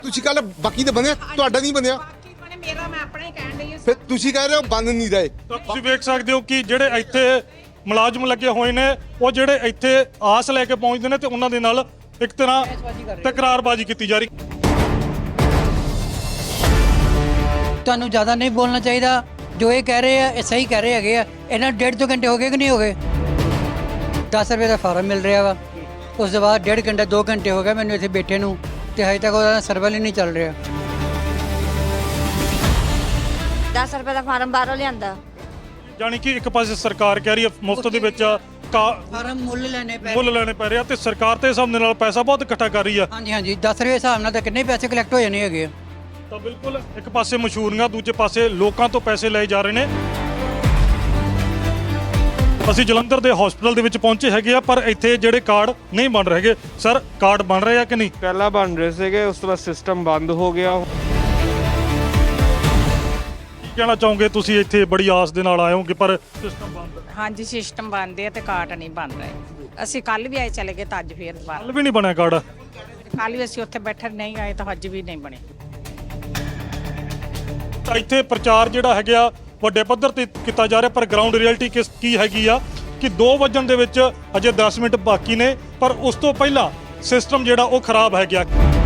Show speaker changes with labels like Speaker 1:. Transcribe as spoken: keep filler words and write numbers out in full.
Speaker 1: ਤੁਸੀਂ ਕੱਲ ਬਾਕੀ ਤੇ ਬਣਿਆ, ਤੁਹਾਡਾ ਨਹੀਂ ਬਣਿਆ।
Speaker 2: ਬਾਕੀ ਬਣੇ ਮੇਰਾ ਮੈਂ ਆਪਣਾ ਹੀ ਕਹਿਣ ਡਈ ਹਾਂ।
Speaker 1: ਫਿਰ ਤੁਸੀਂ ਕਹਿ ਰਹੇ ਹੋ ਬਣ ਨਹੀਂ ਰਹੇ।
Speaker 3: ਤਾਂ ਤੁਸੀਂ ਵੇਖ ਸਕਦੇ ਹੋ ਕਿ ਜਿਹੜੇ ਇੱਥੇ ਮੁਲਾਜ਼ਮ ਲੱਗੇ ਹੋਏ ਨੇ ਉਹ ਜਿਹੜੇ ਇੱਥੇ ਆਸ ਲੈ ਕੇ ਪਹੁੰਚਦੇ ਨੇ ਤੇ ਉਹਨਾਂ ਦੇ ਨਾਲ ਇੱਕ ਤਰ੍ਹਾਂ ਤਕਰਾਰਬਾਜ਼ੀ ਕੀਤੀ ਜਾ ਰਹੀ।
Speaker 4: ਤੁਹਾਨੂੰ ਜ਼ਿਆਦਾ ਨਹੀਂ ਬੋਲਣਾ ਚਾਹੀਦਾ। ਜੋ ਇਹ ਕਹਿ ਰਹੇ ਆ ਇਹ ਸਹੀ ਕਹਿ ਰਹੇ ਹੈਗੇ ਆ। ਇਹਨਾਂ ਡੇਢ ਦੋ ਘੰਟੇ ਹੋ ਗਏ ਕਿ ਨਹੀਂ ਹੋ ਗਏ? ਦਸ ਰੁਪਏ ਦਾ ਫਾਰਮ ਮਿਲ ਰਿਹਾ ਵਾ, ਉਸ ਤੋਂ ਬਾਅਦ ਡੇਢ ਘੰਟਾ ਦੋ ਘੰਟੇ ਹੋ ਗਏ ਮੈਨੂੰ ਇੱਥੇ ਬੈਠੇ ਨੂੰ, ਤੇ ਹਜੇ ਤੱਕ ਉਹਦਾ ਸਰਵਰ ਹੀ ਨਹੀਂ ਚੱਲ ਰਿਹਾ।
Speaker 5: ਦਸ ਰੁਪਏ ਦਾ ਫਾਰਮ ਬਾਹਰੋਂ ਲਿਆਂਦਾ।
Speaker 3: ਜਾਣੀ ਕਿ ਇੱਕ ਪਾਸੇ ਸਰਕਾਰ ਕਹਿ ਰਹੀ ਹੈ ਮੁਫਤ ਦੇ ਵਿੱਚ ਕਾ-
Speaker 4: ਫਾਰਮ ਮੁੱਲ ਲੈਣੇ ਪੈ
Speaker 3: ਮੁੱਲ ਲੈਣੇ ਪੈ ਰਿਹਾ ਤੇ ਸਰਕਾਰ ਤੇ ਹਿਸਾਬ ਦੇ ਨਾਲ ਪੈਸਾ ਬਹੁਤ ਇਕੱਠਾ ਕਰ ਰਹੀ ਆ।
Speaker 4: ਹਾਂਜੀ ਹਾਂਜੀ ਦਸ ਰੁਪਏ ਹਿਸਾਬ ਨਾਲ ਤਾਂ ਕਿੰਨੇ ਪੈਸੇ ਕਲੈਕਟ ਹੋ ਜਾਣੇ ਹੈਗੇ ਆ।
Speaker 3: ਤਾਂ ਬਿਲਕੁਲ ਇੱਕ ਪਾਸੇ ਮਸ਼ਹੂਰੀਆਂ, ਦੂਜੇ ਪਾਸੇ ਲੋਕਾਂ ਤੋਂ ਪੈਸੇ ਲਏ ਜਾ ਰਹੇ ਨੇ। ਅਸੀਂ ਜਲੰਧਰ ਦੇ ਹਸਪੀਟਲ ਦੇ ਵਿੱਚ ਪਹੁੰਚੇ ਹੈਗੇ ਆ, ਪਰ ਇੱਥੇ ਜਿਹੜੇ ਕਾਰਡ ਨਹੀਂ ਬਣ ਰਹੇ ਹੈਗੇ। ਸਰ ਕਾਰਡ ਬਣ ਰਹੇ ਆ ਕਿ ਨਹੀਂ?
Speaker 6: ਪਹਿਲਾਂ ਬਣ ਰਹੇ ਸੀਗੇ, ਉਸ ਤੋਂ ਬਾਅਦ ਸਿਸਟਮ ਬੰਦ ਹੋ ਗਿਆ।
Speaker 3: ਕੀ ਕਹਿਣਾ ਚਾਹੋਗੇ ਤੁਸੀਂ? ਇੱਥੇ ਬੜੀ ਆਸ ਦੇ ਨਾਲ ਆਏ ਹੋਗੇ ਪਰ ਸਿਸਟਮ ਬੰਦ ਹੈ।
Speaker 2: ਹਾਂਜੀ ਸਿਸਟਮ ਬਣਦੇ ਆ ਤੇ ਕਾਰਟ ਨਹੀਂ ਬਣ ਰਹੇ। ਅਸੀਂ ਕੱਲ ਵੀ ਆਏ ਚਲੇ ਗਏ ਤਾਂ ਅੱਜ ਫੇਰ ਦੁਬਾਰਾ
Speaker 3: ਹੱਲ ਵੀ ਨਹੀਂ ਬਣਿਆ ਕਾਰਡ।
Speaker 2: ਕੱਲ ਵੀ ਅਸੀਂ ਉੱਥੇ ਬੈਠੇ ਨਹੀਂ ਆਏ ਤਾਂ ਅੱਜ ਵੀ ਨਹੀਂ ਬਣੇ।
Speaker 3: ਤਾਂ ਇੱਥੇ ਪ੍ਰਚਾਰ ਜਿਹੜਾ ਹੈਗਾ ਵੱਡੇ ਪੱਧਰ ਤੇ ਕੀਤਾ ਜਾ ਰਿਹਾ, ਪਰ ਗਰਾਊਂਡ ਰਿਐਲਿਟੀ ਕਿਸ ਕੀ ਹੈਗੀ ਆ ਕਿ ਦੋ ਵਜਣ ਦੇ ਵਿੱਚ ਅਜੇ ਦਸ ਮਿੰਟ ਬਾਕੀ ਨੇ, ਪਰ ਉਸ ਤੋਂ ਪਹਿਲਾਂ ਸਿਸਟਮ ਜਿਹੜਾ ਉਹ ਖਰਾਬ ਹੈ ਗਿਆ।